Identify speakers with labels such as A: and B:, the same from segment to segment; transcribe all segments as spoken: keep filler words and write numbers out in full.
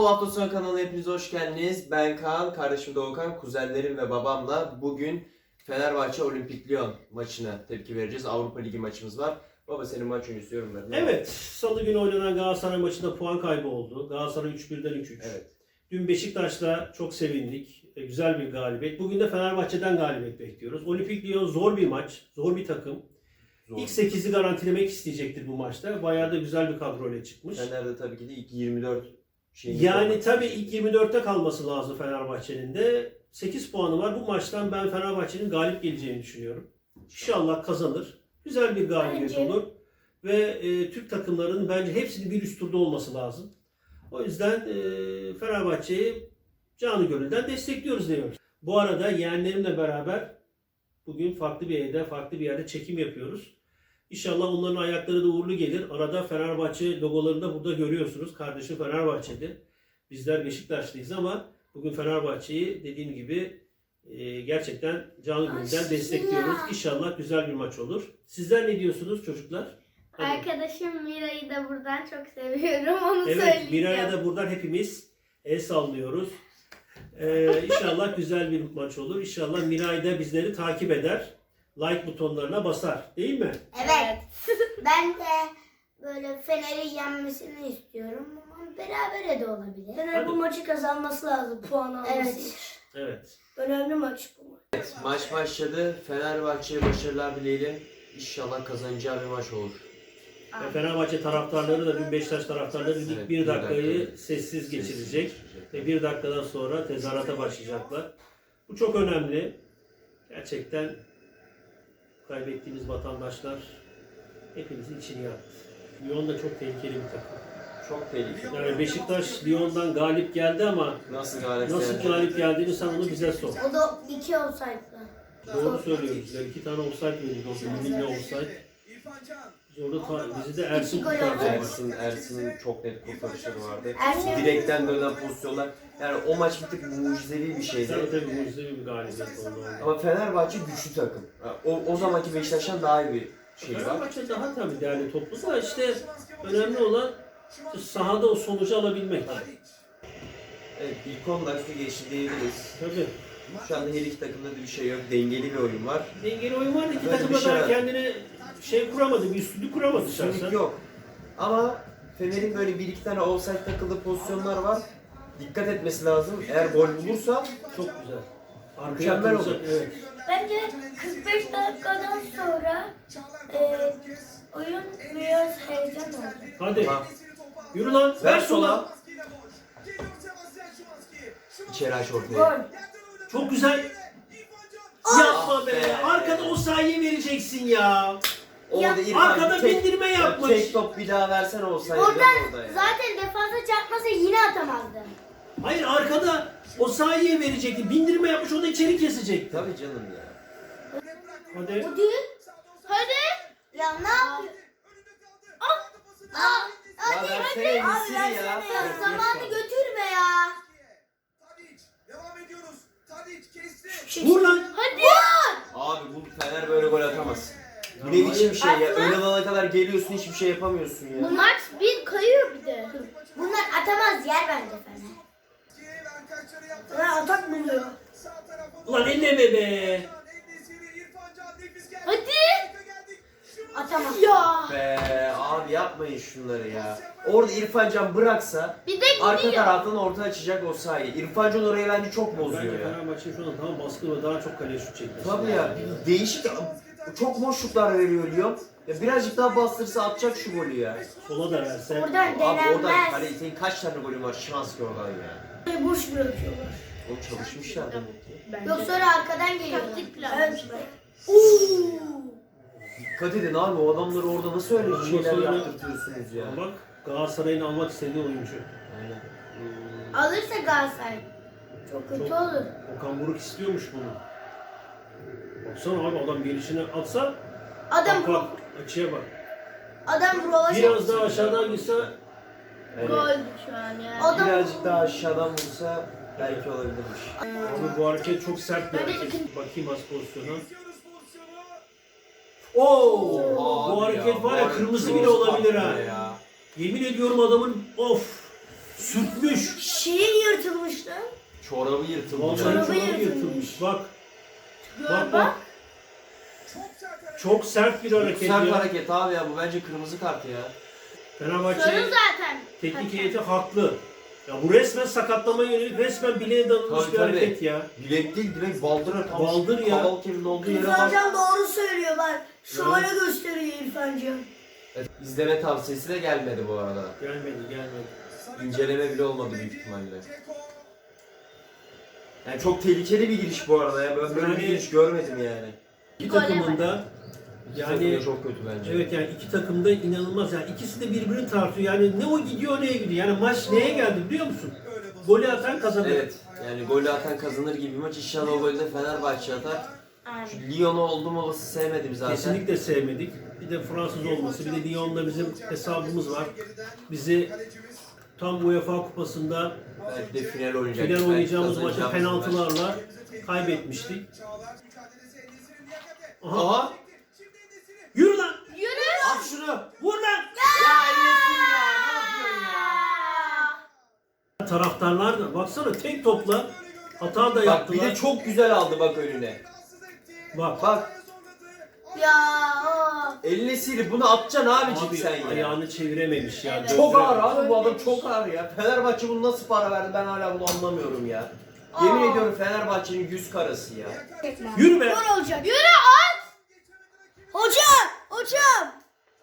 A: Bu hafta sonu kanalına hepiniz hoş geldiniz. Ben Kaan, kardeşim Doğukan, kuzenlerim ve babamla bugün Fenerbahçe Olimpik Lyon maçına tepki vereceğiz. Avrupa Ligi maçımız var. Baba senin maç öncesi yorumlarını.
B: Evet, Salı günü oynanan Galatasaray maçında puan kaybı oldu. Galatasaray üç birden üç üç.
A: Evet.
B: Dün Beşiktaş'la çok sevindik. E, Güzel bir galibiyet. Bugün de Fenerbahçe'den galibiyet bekliyoruz. Olimpik Lyon zor bir maç, zor bir takım.
A: Zor.
B: İlk sekizi garantilemek isteyecektir bu maçta. Bayağı da güzel bir kadroyla çıkmış.
A: Fener'de tabii ki de ilk yirmi dört şeyini
B: Yani tabii ilk yirmi dörtte kalması lazım Fenerbahçe'nin de. sekiz puanı var. Bu maçtan ben Fenerbahçe'nin galip geleceğini düşünüyorum. İnşallah kazanır. Güzel bir galibiyet
C: Bence.
B: olur. Ve e, Türk takımlarının bence hepsinin bir üst turda olması lazım. O yüzden e, Fenerbahçe'yi canı gönülden destekliyoruz diyoruz. Bu arada yeğenlerimle beraber bugün farklı bir evde, farklı bir yerde çekim yapıyoruz. İnşallah onların ayakları da uğurlu gelir. Arada Fenerbahçe logolarını da burada görüyorsunuz. Kardeşim Fenerbahçe'de. Bizler Beşiktaşlıyız ama bugün Fenerbahçe'yi dediğim gibi e, gerçekten canı gönülden destekliyoruz. İnşallah güzel bir maç olur. Sizler ne diyorsunuz çocuklar? Hadi.
C: Arkadaşım Mira'yı da buradan çok seviyorum. Onu
B: Evet,
C: söyleyeceğim.
B: Miray'a da buradan hepimiz el sallıyoruz. Ee, inşallah güzel bir maç olur. İnşallah Miray da bizleri takip eder. Like butonlarına basar. Değil mi?
D: Evet. Ben de böyle Fener'i yenmesini istiyorum ama berabere de olabilir.
C: Fener bu maçı kazanması lazım puan alması
D: Evet.
C: için.
B: Evet.
C: Önemli maç bu maç.
A: Evet, maç başladı. Fenerbahçe'ye başarılar dileyelim. İnşallah kazanacağı bir maç olur.
B: Ve Fenerbahçe taraftarları da dün Beşiktaş taraftarları ilk
A: Evet,
B: bir
A: bir
B: dakikayı
A: dakika.
B: sessiz geçirecek.
A: Sessiz geçirecek.
B: Ve bir dakikadan sonra tezahürata başlayacaklar. Bu çok önemli. Gerçekten kaybettiğimiz vatandaşlar hepimizin içini yaktı. Lyon da çok tehlikeli bir takım.
A: Çok tehlikeli.
B: Yani Beşiktaş Lyon'dan galip geldi ama
A: Nasıl galip
B: nasıl
A: geldi?
B: galip geldiğini sen onu bize sor.
D: O da iki olsaydı.
B: Doğru söylüyoruz. Yani iki tane offside verildi orada. Milli offside. Biz orada ta- bizi de Ersin
D: İki gol
B: kurtardı.
D: oldu.
A: Ersin, Ersin'in çok net kurtarışları vardı.
D: Ersin-
A: Direkten dönen pozisyonlar. Yani o maç bir tık mucizevi bir şeydi.
B: Tabii tabii mucizevi bir galibiyet oldu orada.
A: Ama Fenerbahçe güçlü takım. O, o zamanki Beşiktaş'tan daha iyi bir şey var.
B: Fenerbahçe daha tabii değerli toplu da işte önemli olan işte sahada o sonucu alabilmek.
A: Evet, ilk on dakika geçti diyebiliriz.
B: Tabii.
A: Şu anda her iki takımda da bir şey yok. Dengeli bir oyun var.
B: Dengeli oyun var da iki
A: Böyle
B: takım
A: bir
B: da
A: şey
B: daha
A: var.
B: kendine şey kuramadı, bir üstünlük kuramadı
A: Üstünlük
B: şahsen.
A: yok. Ama Fener'in böyle bir iki tane offside takıldığı pozisyonlar var. Dikkat etmesi lazım. Eğer gol bulursa
B: Çok güzel. Arkaya
A: Mükemmel
B: atılacak,
A: oldu.
B: evet.
C: Bence kırk beş dakikadan sonra e, oyun biraz heyecan oldu.
B: Hadi.
A: Tamam.
B: Yürü lan.
A: Ver
B: Ver sola.
A: sola. İçeri aç ortaya.
C: Gol.
B: Çok güzel. Yapma be.
A: be.
B: Arkada o sayıyı vereceksin ya.
A: Orada İrfan
B: Arkada
A: tek-
B: bindirme
A: ya
B: yapmış.
A: Tek top bir daha versen olsaydı
D: Oradan
A: orada ya.
D: zaten defansa çarpmasa yine atamazdı.
B: Hayır arkada o sayıyı verecekti. Bindirme yapmış o da içeri kesecekti.
A: Tabii canım ya.
B: Hadi.
D: Hadi. Hadi. Ya ne yapıyor? Aa,
A: Ya versene gitsin ya.
D: ya zamanı götürme ya.
B: Vur lan.
C: Hadi.
A: Abi bu Fener böyle gol atamaz. Bu ne biçim şey ya? Ön alana kadar geliyorsun hiçbir şey yapamıyorsun ya.
C: Bu maç bir kayıyor bir de.
D: Bunlar atamaz yer bence Fener.
C: Fener atak buluyor.
B: Ulan elleme be.
C: Hadi.
D: Atamaz.
C: Ya.
A: Be abi yapmayın şunları ya. Orada İrfan Can bıraksa
C: Bir de
A: arka
C: gidiyor.
A: taraftan orta açacak o sahayı. İrfan Can orayı bence çok bozuyor
B: Bence
A: ya.
B: Fenerbahçe şu an daha baskın ve daha çok kaleye şut çekmesi.
A: Tabii ya değişik çok boşluklar veriyor Lyon. Ya birazcık daha bastırsa atacak şu golü ya.
B: Sola da verse.
D: Oradan
A: Abi oradan
D: denenmez.
A: kale senin kaç tane golün var Şimanski oradan ya.
C: Boş bırakıyorlar.
A: O çalışmışlar demek ki.
D: Yok sonra arkadan geliyor.
C: Taktik plan.
D: Evet.
A: Dikkat edin abi o adamları orada nasıl öyle
B: Ondan
A: şeyler
B: sonra-
A: yaptırtıyorsunuz ya.
B: Bak Galatasaray'ın almak istediği oyuncu.
A: Aynen.
D: Alırsa Galatasaray çok kötü
B: Çok-
D: olur.
B: Okan Buruk istiyormuş bunu. Baksana abi adam gelişine atsa
D: Adam
B: bak bak açıya bak.
D: adam Rova
B: Biraz daha aşağıdan gitse
A: Yani
C: Gol şu an yani.
D: Adam
A: birazcık daha aşağıdan vursa belki olabilirmiş.
B: abi bu hareket çok sert bir
C: Hadi
B: hareket. Bakayım az pozisyona. Oo!
A: Abi
B: Bu hareket
A: ya,
B: var ya
A: var
B: kırmızı
A: cross
B: bile olabilir ha.
A: attı ya.
B: Yemin ediyorum adamın of Sürtmüş.
C: Şeyi yırtılmıştı.
A: Çorabı yırtılmış.
B: Vallahi
C: Çorabı
B: çorabı
C: yırtılmış.
B: yırtılmış. Bak.
C: Gör
B: Bak
C: bak.
B: bak. Çok sert bir hareket
A: Sert
B: ya.
A: hareket abi ya, bu bence kırmızı kart ya.
B: Fenerbahçe
C: Sarı zaten.
B: teknik heyeti haklı. Ya bu resmen sakatlamaya yönelik, resmen bileğe danılmış
A: Tabii,
B: bir
A: tabii.
B: hareket ya.
A: Bilek değil, direkt baldıra tam.
B: Baldır ya.
A: Kaval kemiğinin olduğu yere
C: İrfan
A: bak.
C: Can doğru söylüyor bak. Şöyle
B: Evet.
C: gösteriyor İrfan Can.
A: Evet, izleme tavsiyesi de gelmedi bu arada.
B: Gelmedi gelmedi.
A: İnceleme bile olmadı büyük ihtimalle. Yani çok tehlikeli bir giriş bu arada ya. Ben böyle bir
B: Yani-
A: giriş görmedim yani.
B: İki
C: Gole
B: takımında
A: İki
B: yani
A: takım da çok kötü bence.
B: evet yani iki takımda inanılmaz yani ikisi de birbirini tartıyor. Yani ne o gidiyor neye gidiyor. Yani maç neye geldi biliyor musun? Golü atan kazanır.
A: Evet. Yani golü atan kazanır gibi bir maç. İnşallah o golü de Fenerbahçe atar.
C: Aynen.
A: Şu Lyon'u oldum olası sevmedim zaten.
B: Kesinlikle sevmedik. Bir de Fransız olması, bir de Lyon'da bizim hesabımız var. Bizi tam UEFA Kupası'nda
A: Belki de final oynayacak.
B: final
A: Belki
B: oynayacağımız maçı
A: kazanacağımız maç.
B: penaltılarla kaybetmiştik. Aha.
A: Aha!
B: Yürü lan!
A: At şunu!
B: Vur lan!
A: Ya Enes'im ya! Ne yapıyorsun ya?
B: Taraftarlar da baksana tek topla hata da
A: Bak
B: yaptılar.
A: bir de çok güzel aldı bak önüne.
B: Bak
A: Bak
C: Ya o.
A: eline silip bunu atacaksın abicim
B: abi
A: sen ya.
B: ayağını çevirememiş ya.
C: Evet.
A: Çok ağır
B: Döndürememiş.
A: abi bu adam, çok ağır ya. Fenerbahçe bunu nasıl para verdi ben hala bunu anlamıyorum ya. Yemin
C: Aa.
A: ediyorum Fenerbahçe'nin yüz karası ya.
B: Yürü be!
C: Gol olacak. Yürü at. Hocam. Hocam.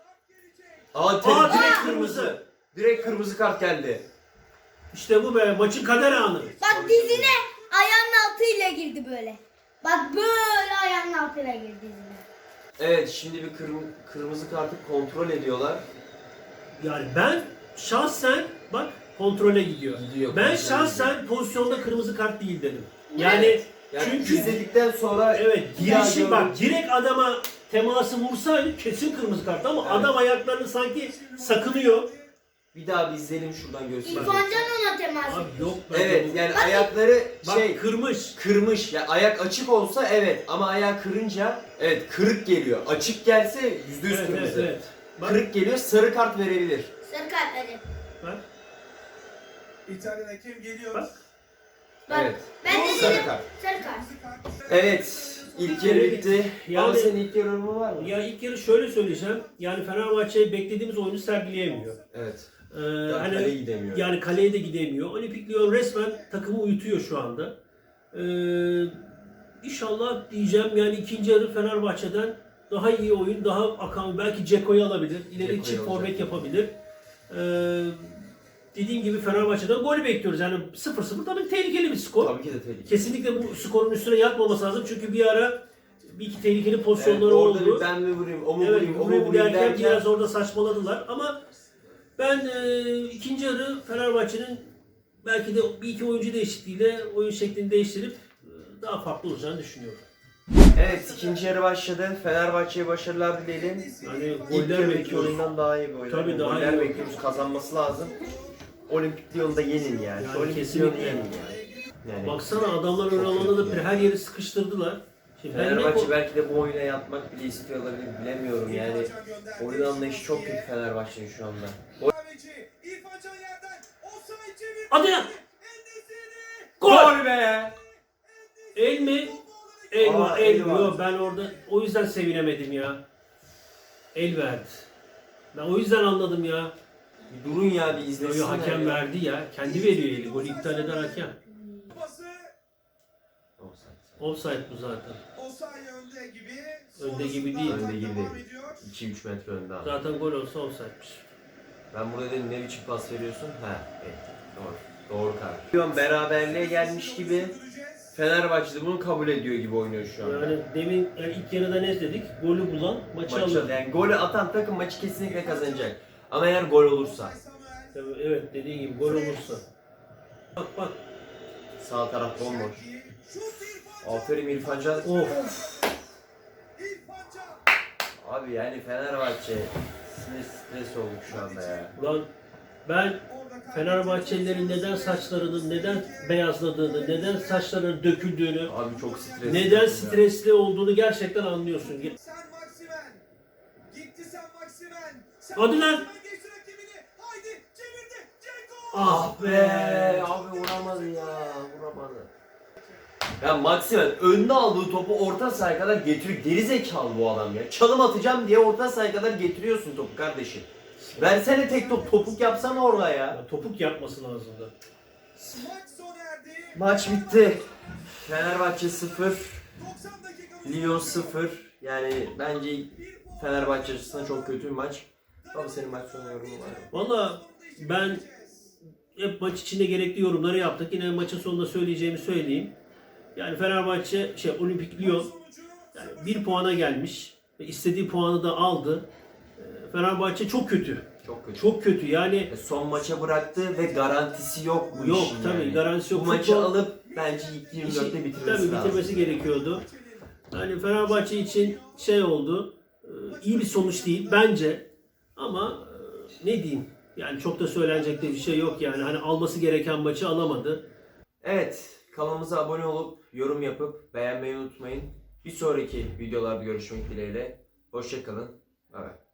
A: Aa,
B: Aa,
A: tabii direkt
B: direkt
A: kırmızı. Direkt kırmızı kart geldi.
B: İşte bu be maçın kader anı.
C: Bak dizine ayağının altıyla girdi böyle. Bak böyle ayağının altıyla girdi dizine.
A: Evet şimdi bir kırm- kırmızı kartı kontrol ediyorlar.
B: Yani ben şahsen bak kontrole gidiyor.
A: Gidiyor,
B: Ben
A: kontrole
B: şahsen pozisyonda kırmızı kart değil dedim. Yani
A: Yani
B: çünkü
A: izledikten sonra
B: evet
A: bir daha
B: girişi
A: gördüm.
B: bak direkt adama teması vursaydı kesin kırmızı kart ama
A: Evet.
B: adam ayaklarını sanki sakınıyor.
A: Bir daha bir izleyelim şuradan göstereyim.
C: İrfan Can ona temas
B: Abi
C: etti.
B: yok ben
A: Evet yani ayakları
B: bak
A: şey
B: kırmış.
A: kırmış. Ya ayak açık olsa evet ama ayağı kırınca evet kırık geliyor. Açık gelse yüzde yüz
B: Evet, evet,
A: kırmızı.
B: evet. Bak,
A: Kırık geliyor, sarı kart verebilir.
C: Sarı kart hadi.
B: bak,
E: İtalyan hakem geliyor.
B: bak.
C: Bak,
A: Evet.
C: ben de
A: Sarı
C: dedim.
A: kart.
C: Sarı kart.
A: Evet. İlk yarı bitti.
B: Yani-
A: Ama senin ilk yarı yorumun var mı?
B: Ya ilk yarı şöyle söyleyeceğim. Yani Fenerbahçe beklediğimiz oyunu sergileyemiyor.
A: Evet.
B: Ee,
A: Yani
B: hani
A: kaleye gidemiyor.
B: yani kaleye de gidemiyor. Olimpik Lyon resmen takımı uyutuyor şu anda. Ee, inşallah diyeceğim yani ikinci yarı Fenerbahçe'den daha iyi oyun, daha akan, belki Ceko'yu alabilir. İleri
A: Dzeko'yu
B: çift
A: alacak.
B: forvet yapabilir. Ee, dediğim gibi Fenerbahçe'den gol bekliyoruz. Yani sıfır sıfır tabii tehlikeli bir skor.
A: Tabii ki de tehlikeli.
B: Kesinlikle bu skorun üstüne yatmaması lazım. Çünkü bir ara bir iki tehlikeli
A: Evet,
B: pozisyonları
A: orada
B: oldu.
A: bir ben mi vurayım, o mu
B: Evet,
A: vurayım, o mu
B: vurayım
A: vurayım
B: derken
A: derken
B: biraz orada saçmaladılar ama ben e, ikinci yarı Fenerbahçe'nin belki de bir iki oyuncu değişikliğiyle oyun şeklini değiştirip e, daha farklı olacağını düşünüyorum.
A: Evet ikinci yarı başladı. Fenerbahçe'ye başarılar dileyelim.
B: Yani
A: İlk
B: goller
A: yarıdaki
B: bekliyoruz.
A: oyundan daha iyi bir oyun.
B: Tabii,
A: Yani
B: daha
A: goller
B: iyi.
A: bekliyoruz, kazanması lazım. Olimpik Lyon'da yenin yani.
B: Yani
A: Şu Olimpik
B: kesinlikle.
A: Lyon'u yenin yani. Yani
B: Baksana adamlar ön alanda da her yeri sıkıştırdılar. Şimdi ben ne
A: Fenerbahçe
B: ko-
A: belki de bu oyuna yatmak bile istiyor olabilir, bilemiyorum yani. Oyun anlayışı çok kötü Fenerbahçe'nin şu anda.
E: Kahveci, İrfan Can yerden. Offside çevirdi.
B: Hadi lan!
E: En-Nesyri.
B: Gol!
A: be!
B: El mi? El
A: Aa,
B: var,
A: el
B: el
A: var.
B: yok. Ben orada o yüzden sevinemedim ya. El verdi. Ben o yüzden anladım ya.
A: Bir durun ya bir
B: Yo,
A: izlesinler.
B: yo, hakem
A: ya.
B: verdi ya. Kendi veriyor eli. Golü iptal eden hakem.
E: Pası.
A: Offside.
B: Offside bu zaten.
E: Osay önde gibi.
B: Önde gibi
E: Sonrasında
B: değil.
E: atak
A: Önde gibi
E: devam
A: değil.
E: ediyor.
A: iki üç metre önde abi.
B: Zaten gol olsa offside'miş.
A: Ben burada dedim ne biçim pas veriyorsun? Ha, evet. Doğru. Doğru karar. Lyon beraberliğe gelmiş gibi Fenerbahçe de bunu kabul ediyor gibi oynuyor şu anda.
B: Yani demin yani ilk yarıda ne dedik? Golü bulan maçı,
A: Maçı,
B: alır.
A: yani golü atan takım maçı kesinlikle kazanacak. Ama eğer gol olursa.
B: Tabii, evet dediğin gibi gol olursa. Bak bak.
A: Sağ taraf bomboş.
E: Şut İrfan Can.
A: Aferin İrfan Can.
B: Of.
E: İrfan Can.
A: Abi yani Fenerbahçe sinir stres olduk şu anda ya.
B: Ulan ben
E: Orada kaybediyor.
B: Fenerbahçelilerin neden saçlarının neden beyazladığını, neden saçlarının döküldüğünü,
A: Abi çok stresli.
B: neden
A: ya.
B: stresli olduğunu gerçekten anlıyorsun.
E: Sen Maximen. Gitti sen Maximen. Sen
B: Hadi lan.
E: Maximen geçti rakibini. Haydi çevirdi. Ceko.
B: Ah
A: Be
B: be!
A: abi vuramadı ya, vuramadı. Ya Maximen önüne aldığı topu orta sahaya kadar getiriyor. Geri zekalı bu adam ya. Çalım atacağım diye orta sahaya kadar getiriyorsun topu kardeşim. Versene tek top, topuk yapsana orada ya.
B: Ya, topuk yapması lazımdı.
E: Maç sona erdi.
A: Maç bitti. Fenerbahçe sıfır,
E: doksan dakika
A: Lyon sıfır. Yani bence Fenerbahçe açısından çok kötü bir maç. Ama senin maç sonu yorumu var.
B: Valla ben hep maç içinde gerekli yorumları yaptık. Yine maçın sonunda söyleyeceğimi söyleyeyim. Yani Fenerbahçe, şey Olimpik Lyon yani bir puana gelmiş ve istediği puanı da aldı. Ee, Fenerbahçe çok kötü.
A: Çok kötü.
B: Çok kötü yani.
A: E, son maça bıraktı ve garantisi yok bu
B: Yok
A: işin
B: tabii
A: yani.
B: garantisi yok.
A: Bu maçı
B: Futbol-
A: alıp bence ilk yirmi dörtte
B: İşi-
A: bitirmesi
B: Tabii
A: lazım.
B: bitirmesi gerekiyordu. Yani Fenerbahçe için şey oldu. e, iyi bir sonuç değil bence. Ama e, ne diyeyim? Yani çok da söylenecek de bir şey yok yani. Hani alması gereken maçı alamadı.
A: Evet, kanalımıza abone olup yorum yapıp beğenmeyi unutmayın. Bir sonraki videolarda görüşmek dileğiyle. Hoşça kalın. Bye bye.